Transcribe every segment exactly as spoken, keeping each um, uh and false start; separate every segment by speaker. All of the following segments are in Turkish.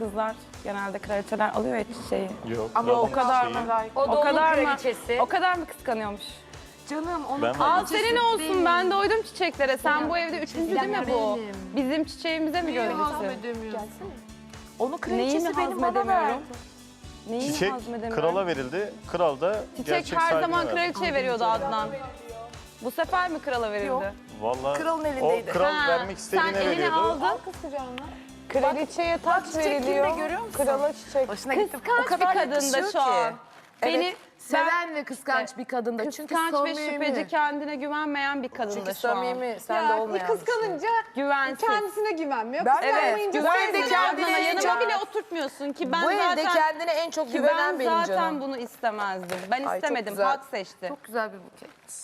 Speaker 1: kızlar genelde kraliçeler alıyor ya çiçeği.
Speaker 2: Yok.
Speaker 3: Ama
Speaker 2: yok.
Speaker 3: o kadar
Speaker 2: Şeyi-
Speaker 3: mı?
Speaker 4: O da
Speaker 1: O kadar
Speaker 4: onun
Speaker 1: mı?
Speaker 4: kraliçesi.
Speaker 1: O kadar mı kıskanıyormuş?
Speaker 3: Canım onun
Speaker 2: Ben-
Speaker 1: Al
Speaker 3: kraliçesi
Speaker 1: senin olsun
Speaker 3: benim.
Speaker 1: ben doydum çiçeklere. Sen bu evde üçüncü değil mi bu?
Speaker 3: benim.
Speaker 1: Bizim çiçeğimize mi
Speaker 3: Niye
Speaker 1: gölgesi?
Speaker 3: hazmedemiyorsun? Onun
Speaker 1: Neyini
Speaker 3: kraliçesi benim bana
Speaker 1: hazmedemiyorum?
Speaker 3: verdi.
Speaker 1: Neyini
Speaker 2: Çiçek
Speaker 1: hazmedemiyorum?
Speaker 2: krala verildi. Kral da
Speaker 1: Çiçek
Speaker 2: gerçek
Speaker 1: her
Speaker 2: sahibine
Speaker 1: zaman
Speaker 2: verdi.
Speaker 1: kraliçeye veriyordu Adnan. Bu sefer mi krala verildi?
Speaker 3: Yok.
Speaker 2: Vallahi
Speaker 3: Kralın elindeydi.
Speaker 2: o kral
Speaker 1: Ha,
Speaker 2: vermek istediğine
Speaker 1: sen elini
Speaker 2: veriyordu.
Speaker 1: aldın.
Speaker 5: Kraliçeye taç
Speaker 3: çiçek kimde
Speaker 5: veriliyor,
Speaker 3: görüyor musun?
Speaker 5: krala çiçek.
Speaker 3: Hoşuna gitti.
Speaker 1: Kıskanç
Speaker 3: O kadar
Speaker 1: bir kadın da
Speaker 3: yakışıyor
Speaker 1: şu an.
Speaker 3: ki.
Speaker 1: Beni
Speaker 3: Evet, seven ve kıskanç bir kadın da. Çünkü
Speaker 1: kıskanç ve
Speaker 3: samimi.
Speaker 1: şüpheci, kendine güvenmeyen bir kadın
Speaker 3: Çünkü
Speaker 1: da şu an.
Speaker 3: samimi, sen de
Speaker 5: Ya
Speaker 3: olmayan.
Speaker 5: kıskanınca
Speaker 1: Güvensiz.
Speaker 5: kendisine güvenmiyor.
Speaker 3: Ben-
Speaker 5: Kıskanmayınca
Speaker 3: Evet, bu
Speaker 5: sen
Speaker 3: evde
Speaker 5: de-
Speaker 3: kendine
Speaker 1: Adnan'a
Speaker 3: en
Speaker 1: yanıma
Speaker 3: çok-
Speaker 1: bile oturtmuyorsun ki ben
Speaker 3: Bu evde
Speaker 1: zaten
Speaker 3: kendine en çok
Speaker 1: ki
Speaker 3: güvenen
Speaker 1: ben
Speaker 3: benim
Speaker 1: zaten
Speaker 3: canım.
Speaker 1: bunu istemezdim. Ben
Speaker 3: Ay, çok
Speaker 1: istemedim.
Speaker 3: güzel.
Speaker 1: Halk seçti.
Speaker 3: Çok güzel bir buket.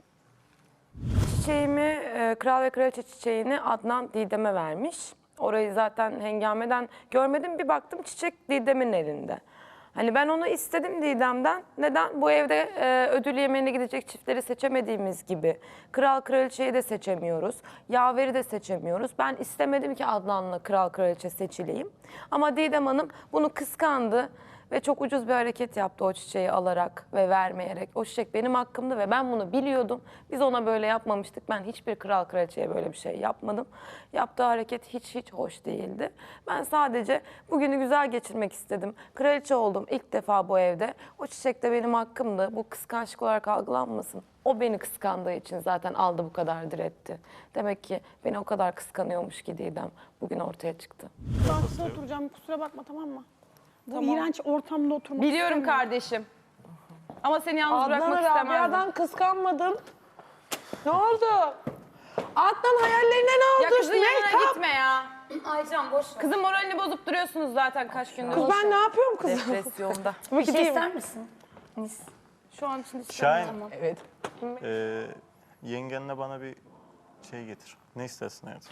Speaker 6: Çiçeğimi, e, kral ve kraliçe çiçeğini Adnan Didem'e vermiş. Orayı zaten hengameden görmedim. Bir baktım çiçek Didem'in elinde. Hani ben onu istedim Didem'den. Neden? Bu evde e, ödül yemeğine gidecek çiftleri seçemediğimiz gibi kral kraliçeyi de seçemiyoruz. Yaveri de seçemiyoruz. Ben istemedim ki Adnan'la kral kraliçe seçileyim. Ama Didem Hanım bunu kıskandı. Ve çok ucuz bir hareket yaptı o çiçeği alarak ve vermeyerek. O çiçek benim hakkımdı ve ben bunu biliyordum. Biz ona böyle yapmamıştık. Ben hiçbir kral kraliçeye böyle bir şey yapmadım. Yaptığı hareket hiç hiç hoş değildi. Ben sadece bugünü güzel geçirmek istedim. Kraliçe oldum ilk defa bu evde. O çiçek de benim hakkımdı. Bu kıskançlık olarak algılanmasın. O beni kıskandığı için zaten aldı bu kadar diretti. Demek ki beni o kadar kıskanıyormuş ki Didem bugün ortaya çıktı.
Speaker 7: Ben oturacağım kusura bakma tamam mı? Bu iğrenç ortamda oturmak
Speaker 1: Biliyorum
Speaker 7: istemiyorum.
Speaker 1: kardeşim. Ama seni yalnız bırakmak
Speaker 5: Adnan'ı
Speaker 1: istemezdim.
Speaker 5: Rabia'dan kıskanmadın. Ne oldu? Adnan hayallerine ne
Speaker 1: Ya
Speaker 5: oldu?
Speaker 1: kızın yanına
Speaker 5: Mehtap.
Speaker 1: gitme ya.
Speaker 4: Aycan boş ver.
Speaker 1: Kızın moralini bozup duruyorsunuz zaten kaç gündür.
Speaker 5: Kız ben ne yapıyorum kızım?
Speaker 3: Depresyonda.
Speaker 4: Bir şey ister misin?
Speaker 1: Şu an için
Speaker 2: Şahin,
Speaker 1: istemiyorum ama.
Speaker 5: Evet.
Speaker 2: e, yengenle bana bir şey getir. Ne istersin hayatım?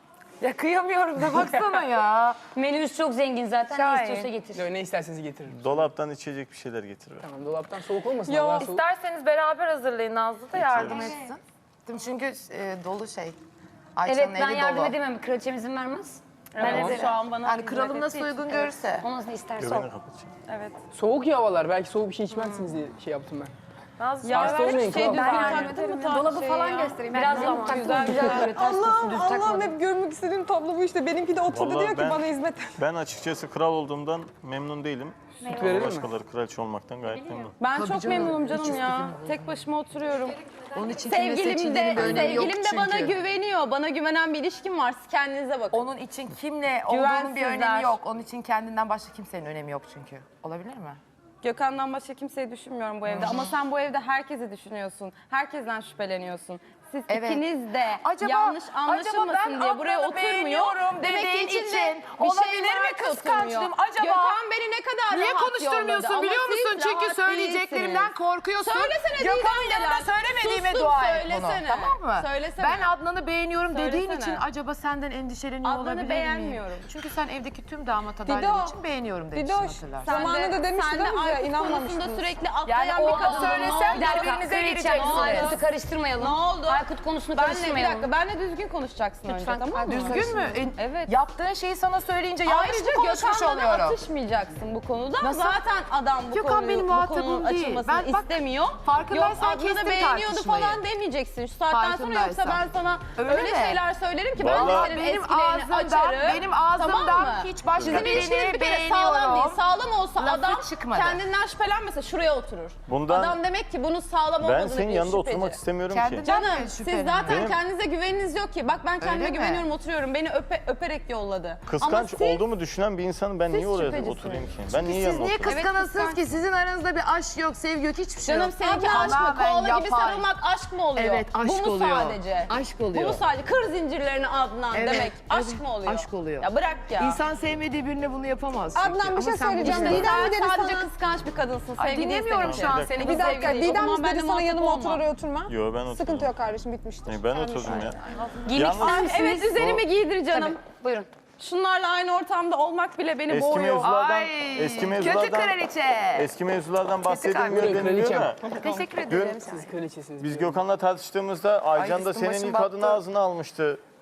Speaker 3: Ya kıyamıyorum da baksana ya.
Speaker 4: Menümüz çok zengin zaten.
Speaker 3: Şahin.
Speaker 4: Ne istiyorsa getir.
Speaker 8: Yo, ne isterseniz getiririm.
Speaker 2: Dolaptan içecek bir şeyler getir. ver.
Speaker 8: Tamam, dolaptan soğuk olmasın.
Speaker 5: Yo,
Speaker 8: Hava soğuk.
Speaker 3: İsterseniz beraber hazırlayın. Nazlı da yardım etsin. Çünkü e, dolu şey. Ayça'nın
Speaker 4: Evet ben
Speaker 3: evi
Speaker 4: yardım
Speaker 3: dolu.
Speaker 4: edemem. Kraliçem izin vermez.
Speaker 1: Evet, şu an bana
Speaker 3: Yani
Speaker 1: hizmet
Speaker 3: kralım nasıl
Speaker 1: ettiği için-
Speaker 3: uygun görürse.
Speaker 4: O nasıl isterse o.
Speaker 2: Göbeğini kapatacağım.
Speaker 1: Evet.
Speaker 8: Soğuk ya havalar. Belki soğuk bir şey içmezsiniz diye şey yaptım ben.
Speaker 3: Nazlı
Speaker 1: Ya
Speaker 8: Hasta
Speaker 1: ben
Speaker 8: olmayın,
Speaker 1: hiç şey
Speaker 8: kral.
Speaker 1: düzgün
Speaker 4: Ben
Speaker 1: taktım mı
Speaker 4: Dolabı
Speaker 1: şey
Speaker 4: falan
Speaker 1: ya?
Speaker 4: göstereyim. Biraz
Speaker 1: Tamam,
Speaker 4: daha taktım.
Speaker 1: güzel,
Speaker 4: Güzel,
Speaker 1: güzel.
Speaker 4: böyle ters
Speaker 5: Allah'ım
Speaker 4: düz
Speaker 5: Allah'ım
Speaker 4: takmadım.
Speaker 5: hep görmek istediğim tablo bu işte. Benimki de oturdu
Speaker 2: Vallahi
Speaker 5: diyor ki
Speaker 2: ben-
Speaker 5: bana hizmet.
Speaker 2: Ben açıkçası kral olduğumdan memnun değilim.
Speaker 8: Süt verelim mi?
Speaker 2: Başkaları kraliçe olmaktan gayet memnun.
Speaker 1: Ben
Speaker 3: Tabii
Speaker 1: çok
Speaker 3: canım,
Speaker 1: memnunum
Speaker 3: hiç
Speaker 1: canım ya. Tek başıma oturuyorum.
Speaker 3: Onun için kimin
Speaker 1: Sevgilim
Speaker 3: seçildiğinin bir
Speaker 1: de,
Speaker 3: önemi yok
Speaker 1: sevgilim de bana
Speaker 3: çünkü.
Speaker 1: güveniyor. Bana güvenen bir ilişkim var. Siz kendinize bakın.
Speaker 3: Onun için kimle olduğunun bir
Speaker 1: Güvensizler.
Speaker 3: önemi yok. Onun için kendinden başka kimsenin önemi yok çünkü. Olabilir mi?
Speaker 1: Gökhan'dan başka kimseyi düşünmüyorum bu evde. Ama sen bu evde herkesi düşünüyorsun. Herkesten şüpheleniyorsun. Siz
Speaker 3: Evet.
Speaker 1: ikiniz de
Speaker 3: Acaba-
Speaker 1: yanlış
Speaker 3: acaba
Speaker 1: anlaşılmasın
Speaker 3: ben
Speaker 1: diye buraya
Speaker 3: Adnan'ı
Speaker 1: oturmuyor.
Speaker 3: beğeniyorum
Speaker 1: Demek ki
Speaker 3: dediğin
Speaker 1: içinde
Speaker 3: için
Speaker 1: bir
Speaker 3: olabilir
Speaker 1: şey
Speaker 3: mi
Speaker 1: var ki
Speaker 3: kıskançlığım?
Speaker 1: oturmuyor.
Speaker 3: Acaba-
Speaker 1: Gökhan beni ne kadar
Speaker 3: Niye
Speaker 1: rahat
Speaker 3: konuşturmuyorsun
Speaker 1: yolladı.
Speaker 3: biliyor
Speaker 1: Ama
Speaker 3: musun?
Speaker 1: siz
Speaker 3: Çünkü
Speaker 1: rahat
Speaker 3: söyleyeceklerimden
Speaker 1: değilsiniz.
Speaker 3: korkuyorsun.
Speaker 1: Söylesene
Speaker 3: Gökhan
Speaker 1: Didem
Speaker 3: yanında
Speaker 1: neden?
Speaker 3: söylemediğime
Speaker 1: Sustum,
Speaker 3: dua et bunu.
Speaker 1: söylesene.
Speaker 3: Tamam mı?
Speaker 1: Söylesene.
Speaker 3: Ben Adnan'ı beğeniyorum dediğin
Speaker 1: Söylesene.
Speaker 3: için acaba senden endişeleniyor
Speaker 1: Adnan'ı
Speaker 3: olabilir miyim?
Speaker 1: beğenmiyorum.
Speaker 3: Çünkü sen evdeki tüm damat adayları
Speaker 5: Dido,
Speaker 3: için beğeniyorum demiştin
Speaker 5: Didoş,
Speaker 3: hatırlarsın.
Speaker 5: sen- Zamanında demişti
Speaker 1: sen de
Speaker 5: değil mi bize?
Speaker 1: Aykut
Speaker 5: İnanmamıştınız.
Speaker 1: konusunda sürekli
Speaker 3: Yani
Speaker 1: atlayan bir
Speaker 3: orada
Speaker 1: kadın.
Speaker 3: söylesem
Speaker 1: Ne oldu?
Speaker 3: birbirinize
Speaker 4: Kraliçem,
Speaker 3: gireceksiniz.
Speaker 4: Aykut'u karıştırmayalım.
Speaker 1: Ne oldu?
Speaker 4: Aykut konusunu
Speaker 1: Benle bir
Speaker 4: karıştırmayalım.
Speaker 1: dakika, benle düzgün konuşacaksın önce tamam mı?
Speaker 3: Düzgün mü? E,
Speaker 1: Evet.
Speaker 3: Yaptığın şeyi sana söyleyince yanlış mı
Speaker 1: Ayrıca
Speaker 3: konuşmuş
Speaker 1: Gökhan'la da
Speaker 3: oluyorum?
Speaker 1: atışmayacaksın bu konuda.
Speaker 3: Nasıl?
Speaker 1: Zaten adam bu,
Speaker 3: Gökhan
Speaker 1: konuyu,
Speaker 3: benim
Speaker 1: bu
Speaker 3: muhatabım
Speaker 1: konunun
Speaker 3: değil.
Speaker 1: açılmasını
Speaker 3: Ben bak,
Speaker 1: istemiyor.
Speaker 3: farkındaysan
Speaker 1: Yok Adnan'ı
Speaker 3: kestim
Speaker 1: beğeniyordu
Speaker 3: tartışmayı.
Speaker 1: falan demeyeceksin. Şu saatten sonra yoksa ben
Speaker 3: Farkındaysan.
Speaker 1: sana
Speaker 3: Öyle
Speaker 1: öyle,
Speaker 3: mi?
Speaker 1: şeyler söylerim ki ben
Speaker 2: Vallahi-
Speaker 1: de senin
Speaker 3: Benim
Speaker 1: eskilerini
Speaker 3: ağzımdan-
Speaker 1: açarım.
Speaker 3: benim ağzımdan
Speaker 1: tamam mı?
Speaker 3: hiç başka
Speaker 1: Sizin
Speaker 3: birini
Speaker 1: ilişkiniz bir kere sağlam
Speaker 3: beğeniyorum.
Speaker 1: değil. Sağlam olsa
Speaker 3: Lafı
Speaker 1: adam
Speaker 3: çıkmadı.
Speaker 1: kendinden şüphelenmese şuraya oturur.
Speaker 2: Bundan-
Speaker 1: Adam demek ki bunun sağlam
Speaker 2: Ben
Speaker 1: olmadığını
Speaker 2: senin
Speaker 1: bir
Speaker 2: yanında
Speaker 1: şüpheci.
Speaker 2: oturmak istemiyorum
Speaker 3: Kendinden
Speaker 2: ki.
Speaker 1: Canım
Speaker 3: mi
Speaker 1: siz
Speaker 3: şüpheleniyor?
Speaker 1: zaten
Speaker 2: Benim-
Speaker 1: kendinize güveniniz yok ki. Bak ben kendime
Speaker 3: Öyle mi?
Speaker 1: güveniyorum oturuyorum. Beni öpe, öperek yolladı. Ama
Speaker 2: Kıskanç
Speaker 1: siz-
Speaker 2: olduğumu düşünen bir insanın ben niye oraya
Speaker 1: şüphecisiniz.
Speaker 2: oturayım ki? Ben niye
Speaker 3: Siz
Speaker 2: yanına
Speaker 3: niye
Speaker 2: oturayım?
Speaker 3: kıskanasınız
Speaker 1: kıskanç.
Speaker 3: ki? Sizin aranızda bir aşk yok, sevgi yok, hiçbir şey
Speaker 1: Canım
Speaker 3: yok.
Speaker 1: seninki aşk mı?
Speaker 3: Tamamen
Speaker 1: Koala gibi
Speaker 3: yapay.
Speaker 1: sarılmak aşk mı oluyor?
Speaker 3: Evet, aşk
Speaker 1: Bu mu
Speaker 3: oluyor.
Speaker 1: sadece?
Speaker 3: Aşk oluyor.
Speaker 1: Bu mu sadece? Kır zincirlerini Adnan
Speaker 3: Evet,
Speaker 1: demek. Aşk
Speaker 3: evet,
Speaker 1: mı oluyor?
Speaker 3: aşk oluyor.
Speaker 1: Ya bırak ya.
Speaker 3: İnsan sevmediği birine bunu yapamaz. çünkü.
Speaker 5: Adnan bir
Speaker 3: Ama
Speaker 5: şey
Speaker 3: sen bunu
Speaker 5: söyleyeceğim.
Speaker 3: işte-
Speaker 5: Didem mi
Speaker 1: Sen
Speaker 5: dedi
Speaker 1: sadece
Speaker 5: sana?
Speaker 1: kıskanç bir kadınsın.
Speaker 3: Ay,
Speaker 1: Sevgi
Speaker 3: dinlemiyorum
Speaker 1: değilsin
Speaker 3: şu an
Speaker 1: ki.
Speaker 3: seni.
Speaker 1: Bu
Speaker 5: Bir dakika
Speaker 1: sevgi değil. O
Speaker 5: Didem
Speaker 1: zaman
Speaker 5: mi
Speaker 1: benimle
Speaker 5: dedi sana
Speaker 1: muhatap
Speaker 5: yanıma
Speaker 1: olma.
Speaker 5: otur oraya oturma?
Speaker 2: Yo ben oturdum.
Speaker 5: Sıkıntı yok kardeşim bitmiştir.
Speaker 2: Ben
Speaker 5: Kendi
Speaker 2: oturdum ya.
Speaker 1: Giymek
Speaker 2: Yalnız-
Speaker 1: ister misiniz? Evet üzerimi giydir canım.
Speaker 4: Buyurun.
Speaker 1: Şunlarla aynı ortamda olmak bile beni
Speaker 2: Eski
Speaker 1: boğuyor.
Speaker 2: mevzulardan,
Speaker 3: Ay,
Speaker 2: eski
Speaker 3: kötü
Speaker 2: mevzulardan,
Speaker 3: kraliçe.
Speaker 2: eski mevzulardan bahsedilmiyor
Speaker 8: Buyurun,
Speaker 2: deniliyor
Speaker 8: kraliçem.
Speaker 2: da.
Speaker 3: Teşekkür
Speaker 2: Dün
Speaker 3: ederim.
Speaker 8: Siz kraliçesiniz.
Speaker 2: biz Gökhan'la tartıştığımızda Aycan da
Speaker 3: üstüm
Speaker 2: senin
Speaker 3: başım
Speaker 2: ilk
Speaker 3: battı.
Speaker 2: adını ağzına almıştı.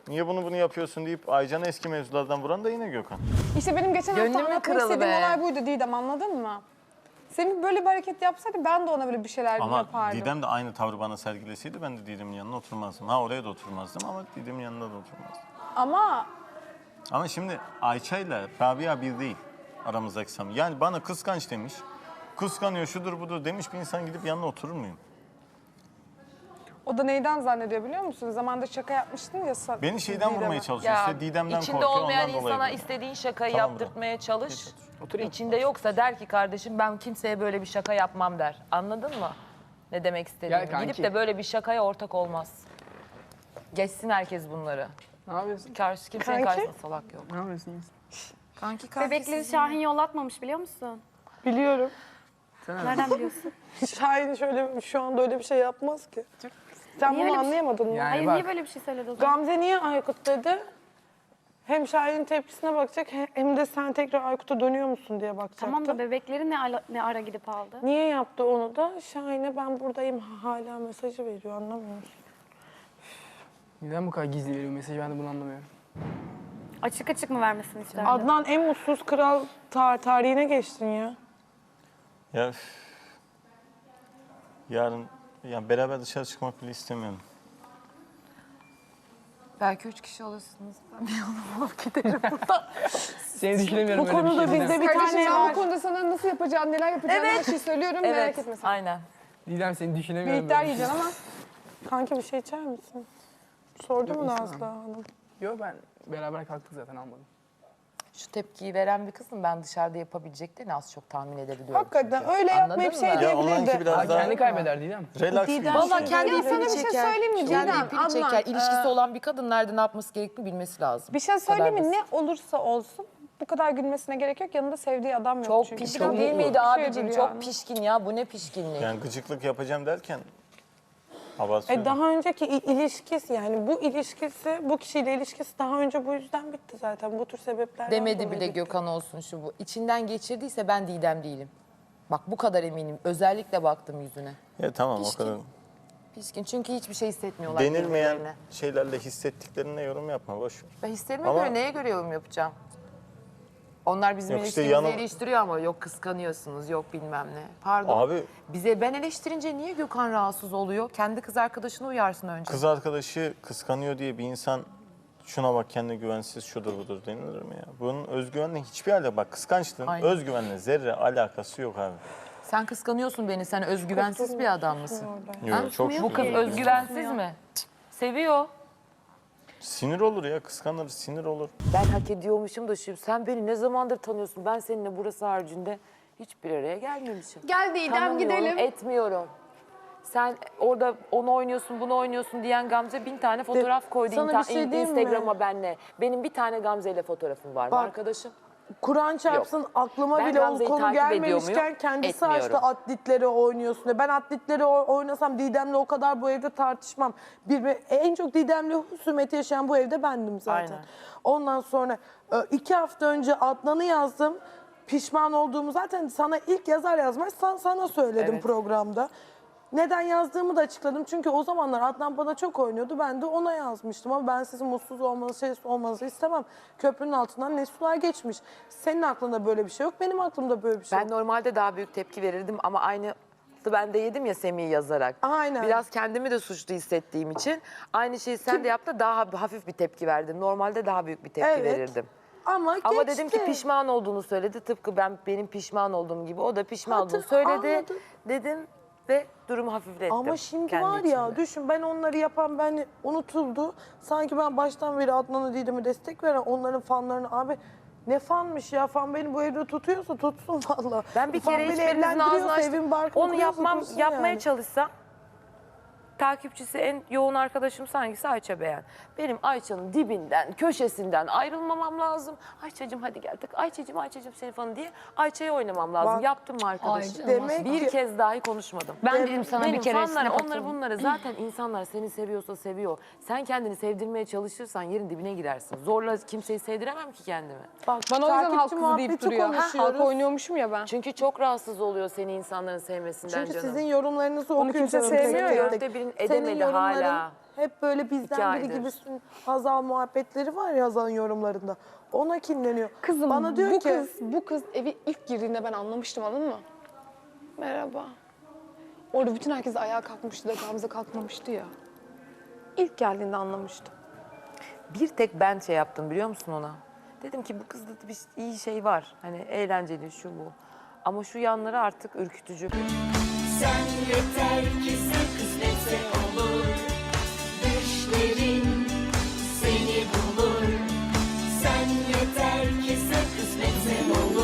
Speaker 2: Niye bunu bunu yapıyorsun deyip Aycan'ı eski mevzulardan vuran da yine Gökhan.
Speaker 5: İşte benim geçen hafta
Speaker 3: Gönlümün
Speaker 5: anlatmak
Speaker 3: kralı
Speaker 5: istediğim
Speaker 3: be.
Speaker 5: olay buydu Didem, anladın mı? Semih böyle bir hareket yapsaydı ben de ona böyle bir şeyler
Speaker 2: Ama
Speaker 5: yapardım.
Speaker 2: Didem de aynı tavrı bana sergileseydi ben de Didem'in yanına oturmazdım. Ha oraya da oturmazdım ama Didem'in yanında da oturmazdım.
Speaker 5: Ama
Speaker 2: Ama şimdi Ayça ile Rabia bir değil aramızdaki samimi. Yani bana kıskanç demiş, kıskanıyor şudur budur demiş bir insan gidip yanına oturur muyum?
Speaker 5: o da neyden zannediyor biliyor musun? Zamanında şaka yapmıştın ya. sa-
Speaker 2: Beni şeyden
Speaker 5: Didem'e.
Speaker 2: vurmaya çalışıyor işte Didem'den
Speaker 3: içinde
Speaker 2: korkuyor
Speaker 3: olmayan
Speaker 2: ondan dolayı.
Speaker 3: insana
Speaker 2: böyle.
Speaker 3: istediğin şakayı
Speaker 2: Tamam,
Speaker 3: yaptırtmaya çalış.
Speaker 8: Oturayım.
Speaker 3: İçinde yoksa der ki kardeşim ben kimseye böyle bir şaka yapmam der. Anladın mı? Ne demek istediğimi.
Speaker 8: Gel kanki.
Speaker 3: Gidip de böyle bir şakaya ortak olmaz. Geçsin herkes bunları.
Speaker 8: Ne yapıyorsun?
Speaker 3: Karşı kimsenin
Speaker 5: Kanki?
Speaker 3: karşısında salak yok.
Speaker 8: Ne yapıyorsun? İyisin.
Speaker 3: Kanki kanki.
Speaker 4: Bebekleri Şahin yollatmamış biliyor musun?
Speaker 5: Biliyorum.
Speaker 4: Nereden biliyorsun?
Speaker 5: Şahin şöyle şu anda öyle bir şey yapmaz ki. Sen
Speaker 4: Niye
Speaker 5: bunu
Speaker 4: öyle bir şey-
Speaker 5: anlayamadın mı?
Speaker 8: Yani
Speaker 4: Hayır
Speaker 8: bak.
Speaker 4: niye böyle bir şey söyledi o zaman?
Speaker 5: Gamze niye Aykut dedi? Hem Şahin'in tepkisine bakacak he- hem de sen tekrar Aykut'a dönüyor musun diye bakacaktı.
Speaker 4: Tamam da bebekleri ne, ala- ne ara gidip aldı?
Speaker 5: Niye yaptı onu da? Şahin'e ben buradayım hala mesajı veriyor, anlamıyor musun?
Speaker 8: Neden bu kadar gizli veriyor mesajı ben de bunu anlamıyorum.
Speaker 4: Açık açık mı vermesini isterdin?
Speaker 5: Adnan en mutsuz kral tar tarihine geçtin ya.
Speaker 2: Ya üf. Yarın ya beraber dışarı çıkmak bile istemiyorum.
Speaker 3: Belki üç kişi alırsınız.
Speaker 8: Seni düşünemiyorum
Speaker 5: Bu
Speaker 8: öyle bir
Speaker 5: konuda
Speaker 8: şey.
Speaker 5: bizde bir
Speaker 7: Kardeşim
Speaker 5: tane
Speaker 7: ben
Speaker 5: var.
Speaker 7: bu konuda sana nasıl yapacağını, neler yapacağını her şeyi söylüyorum, merak
Speaker 3: Evet,
Speaker 7: etme sen.
Speaker 3: aynen.
Speaker 8: Didem seni
Speaker 7: Bir
Speaker 8: düşünemiyorum.
Speaker 7: iddia
Speaker 8: böyle bir şey.
Speaker 7: yiyeceksin ama.
Speaker 5: Kanka bir şey içer misin? Sordu mu
Speaker 8: Yok,
Speaker 5: Nazlı
Speaker 8: istemem.
Speaker 5: Hanım?
Speaker 8: Yok ben beraber kalktık zaten almadım.
Speaker 3: Şu tepkiyi veren bir kızım ben dışarıda yapabileceklerini az çok tahmin edebiliyorum.
Speaker 5: Hakikaten
Speaker 3: çünkü.
Speaker 5: öyle
Speaker 3: Anladın
Speaker 5: yapmayıp
Speaker 3: mı?
Speaker 5: şey
Speaker 2: Ya onlarınki
Speaker 5: diyebilirdi.
Speaker 2: biraz
Speaker 8: Aa,
Speaker 2: daha
Speaker 8: kendi kaybeder Didem.
Speaker 2: relax bir
Speaker 3: Valla
Speaker 2: ilişki.
Speaker 3: kendi
Speaker 7: Ya sana
Speaker 3: ipini
Speaker 7: bir şey
Speaker 3: çeker.
Speaker 7: söyleyeyim mi
Speaker 3: Kendi
Speaker 7: Didem?
Speaker 3: ipini
Speaker 7: Adnan,
Speaker 3: çeker. İlişkisi
Speaker 7: e,
Speaker 3: olan bir kadın nerede ne yapması gerektiğini bilmesi lazım.
Speaker 5: Bir şey
Speaker 3: Bu kadar
Speaker 5: söyleyeyim mi?
Speaker 3: basit.
Speaker 5: Ne olursa olsun bu kadar gülmesine gerek yok. Yanında sevdiği adam yok
Speaker 3: Çok
Speaker 5: çünkü.
Speaker 3: pişkin
Speaker 5: Biraz
Speaker 3: değil
Speaker 5: mutlu
Speaker 3: miydi
Speaker 5: bir şeydir
Speaker 3: abicim?
Speaker 5: yani.
Speaker 3: Çok pişkin ya. Bu ne pişkinlik?
Speaker 2: Yani gıcıklık yapacağım derken abartıyorum.
Speaker 5: E daha önceki i- ilişkisi yani bu ilişkisi, bu kişiyle ilişkisi daha önce bu yüzden bitti zaten. Bu tür sebeplerden
Speaker 3: Demedi
Speaker 5: dolayı
Speaker 3: bir de
Speaker 5: bitti.
Speaker 3: Gökhan olsun şu bu. İçinden geçirdiyse ben Didem değilim. Bak bu kadar eminim. Özellikle baktım yüzüne.
Speaker 2: Ya tamam
Speaker 3: Pişkin.
Speaker 2: o kadar.
Speaker 3: Pişkin çünkü hiçbir şey hissetmiyorlar
Speaker 2: Denilmeyen
Speaker 3: birbirlerine.
Speaker 2: şeylerle hissettiklerine yorum yapma boş ver.
Speaker 3: Ben hislerime
Speaker 2: Ama-
Speaker 3: göre neye göre yorum yapacağım? Onlar bizim
Speaker 2: Yok işte
Speaker 3: ilişkimizi
Speaker 2: yanım-
Speaker 3: eleştiriyor ama yok kıskanıyorsunuz, yok bilmem ne. Pardon.
Speaker 2: Abi
Speaker 3: Bize ben eleştirince niye Gökhan rahatsız oluyor? Kendi kız arkadaşını uyarsın önce.
Speaker 2: kız arkadaşı kıskanıyor diye bir insan şuna bak kendi güvensiz şudur budur denilir mi ya? Bunun özgüvenle hiçbir alakası bak kıskançlığın
Speaker 3: Aynen.
Speaker 2: özgüvenle zerre alakası yok abi.
Speaker 3: Sen kıskanıyorsun beni. Sen özgüvensiz bir adam mısın?
Speaker 2: Yok çok
Speaker 3: Bu kız
Speaker 2: şükür.
Speaker 3: özgüvensiz mi? Cık, seviyor.
Speaker 2: Sinir olur ya kıskanır sinir olur.
Speaker 3: Ben hak ediyormuşum da şu. Sen beni ne zamandır tanıyorsun? Ben seninle burası haricinde hiçbir araya gelmemişim.
Speaker 7: Gel Didem
Speaker 3: Tanımıyorum,
Speaker 7: gidelim.
Speaker 3: etmiyorum. Sen orada onu oynuyorsun, bunu oynuyorsun diyen Gamze bin tane fotoğraf koydu
Speaker 5: sana
Speaker 3: inta-
Speaker 5: bir şey diyeyim mi?
Speaker 3: Instagram'a benle. Benim bir tane Gamze ile fotoğrafım var mı
Speaker 5: Bak,
Speaker 3: arkadaşım?
Speaker 5: Kur'an çarpsın aklıma
Speaker 3: Ben
Speaker 5: bile o
Speaker 3: Gamze'yi
Speaker 5: konu
Speaker 3: takip ediyor
Speaker 5: gelmemişken
Speaker 3: muyum?
Speaker 5: kendisi
Speaker 3: Etmiyorum.
Speaker 5: açtı atletleri oynuyorsun diye. Ben atletleri o- oynasam Didem'le o kadar bu evde tartışmam. Bir, en çok Didem'le husumeti yaşayan bu evde bendim zaten.
Speaker 3: Aynen.
Speaker 5: Ondan sonra e, iki hafta önce Adnan'ı yazdım. Pişman olduğumu zaten sana ilk yazar yazmaz sana, sana söyledim
Speaker 3: Evet.
Speaker 5: programda. Neden yazdığımı da açıkladım. Çünkü o zamanlar Adnan bana çok oynuyordu. Ben de ona yazmıştım. Ama ben sizin mutsuz olmanızı, şey olmanızı istemem. Köprünün altından ne sular geçmiş. Senin aklında böyle bir şey yok. Benim aklımda böyle bir şey
Speaker 3: Ben
Speaker 5: yok.
Speaker 3: normalde daha büyük tepki verirdim ama aynı ben de yedim ya Semih'i yazarak.
Speaker 5: Aynen.
Speaker 3: Biraz kendimi de suçlu hissettiğim için aynı şeyi sen de yaptın daha hafif bir tepki verdim. Normalde daha büyük bir tepki
Speaker 5: Evet.
Speaker 3: verirdim.
Speaker 5: Ama,
Speaker 3: Ama
Speaker 5: geçti.
Speaker 3: dedim ki pişman olduğunu söyledi. Tıpkı ben benim pişman olduğum gibi o da pişman
Speaker 5: Hatır-
Speaker 3: olduğunu söyledi.
Speaker 5: anladım.
Speaker 3: Dedim ve durumu hafiflettim.
Speaker 5: Ama şimdi
Speaker 3: kendi
Speaker 5: var ya
Speaker 3: içimde.
Speaker 5: düşün ben onları yapan ben unutuldu. Sanki ben baştan beri Adnan'a Didem'e destek veren onların fanlarını abi ne fanmış ya fan beni bu evde tutuyorsa tutsun valla.
Speaker 3: Ben bir
Speaker 5: Fan
Speaker 3: kere
Speaker 5: beni
Speaker 3: hiçbirinizin ağzını
Speaker 5: evlendiriyorsa,
Speaker 3: açtım.
Speaker 5: evin barkını
Speaker 3: Onu
Speaker 5: kuruyorsa
Speaker 3: yapmam,
Speaker 5: kursun
Speaker 3: yapmaya
Speaker 5: yani.
Speaker 3: çalışsam takipçisi en yoğun arkadaşım hangisi? Ayça Beğen. Benim Ayça'nın dibinden, köşesinden ayrılmamam lazım. Ayça'cığım hadi gel tık. Ayça'cığım, Ayça'cığım seni falan diye Ayça'ya oynamam lazım.
Speaker 5: Bak-
Speaker 3: Yaptım mı arkadaşım?
Speaker 4: Ay,
Speaker 5: Demek
Speaker 3: bir
Speaker 5: ki-
Speaker 3: kez dahi konuşmadım.
Speaker 4: Ben dedim sana
Speaker 3: Benim
Speaker 4: bir kere
Speaker 3: fanlara,
Speaker 4: snap
Speaker 3: onları
Speaker 4: atın.
Speaker 3: bunları zaten insanlar seni seviyorsa seviyor. Sen kendini sevdirmeye çalışırsan yerin dibine girersin. Zorla kimseyi sevdiremem ki kendimi.
Speaker 5: Bak,
Speaker 7: Bana o yüzden
Speaker 5: takipçi
Speaker 7: halk kızı deyip
Speaker 5: muhabbeti
Speaker 7: duruyor. Ha,
Speaker 5: konuşuyoruz.
Speaker 7: halk oynuyormuşum ya ben.
Speaker 3: Çünkü çok rahatsız oluyor seni insanların sevmesinden
Speaker 5: Çünkü
Speaker 3: canım.
Speaker 5: sizin yorumlarınızı
Speaker 7: Onu
Speaker 5: okuyor
Speaker 7: kimse
Speaker 5: canım.
Speaker 7: sevmiyor
Speaker 5: tek
Speaker 7: ya.
Speaker 5: tek.
Speaker 3: Dörtte birini tatmin
Speaker 5: senin
Speaker 3: edemedi
Speaker 5: yorumların
Speaker 3: hala.
Speaker 5: hep böyle
Speaker 3: İki
Speaker 5: bizden biri
Speaker 3: aydır.
Speaker 5: gibisin. Hazal muhabbetleri var ya Hazal'ın yorumlarında. Ona kinleniyor.
Speaker 9: Kızım
Speaker 5: Bana diyor
Speaker 9: bu
Speaker 5: ki
Speaker 9: kız bu kız evi ilk girdiğinde ben anlamıştım, anladın mı? Merhaba. Orada bütün herkes ayağa kalkmıştı da Gamze kalkmamıştı ya. İlk geldiğinde anlamıştım.
Speaker 3: Bir tek ben şey yaptım biliyor musun ona? Dedim ki bu kızda bir iyi şey var. Hani eğlenceli şu bu. Ama şu yanları artık ürkütücü.
Speaker 10: Sen yeter ki sen kısmetse olur. Düşlerin seni bulur. Sen yeter ki sen kısmetse olur.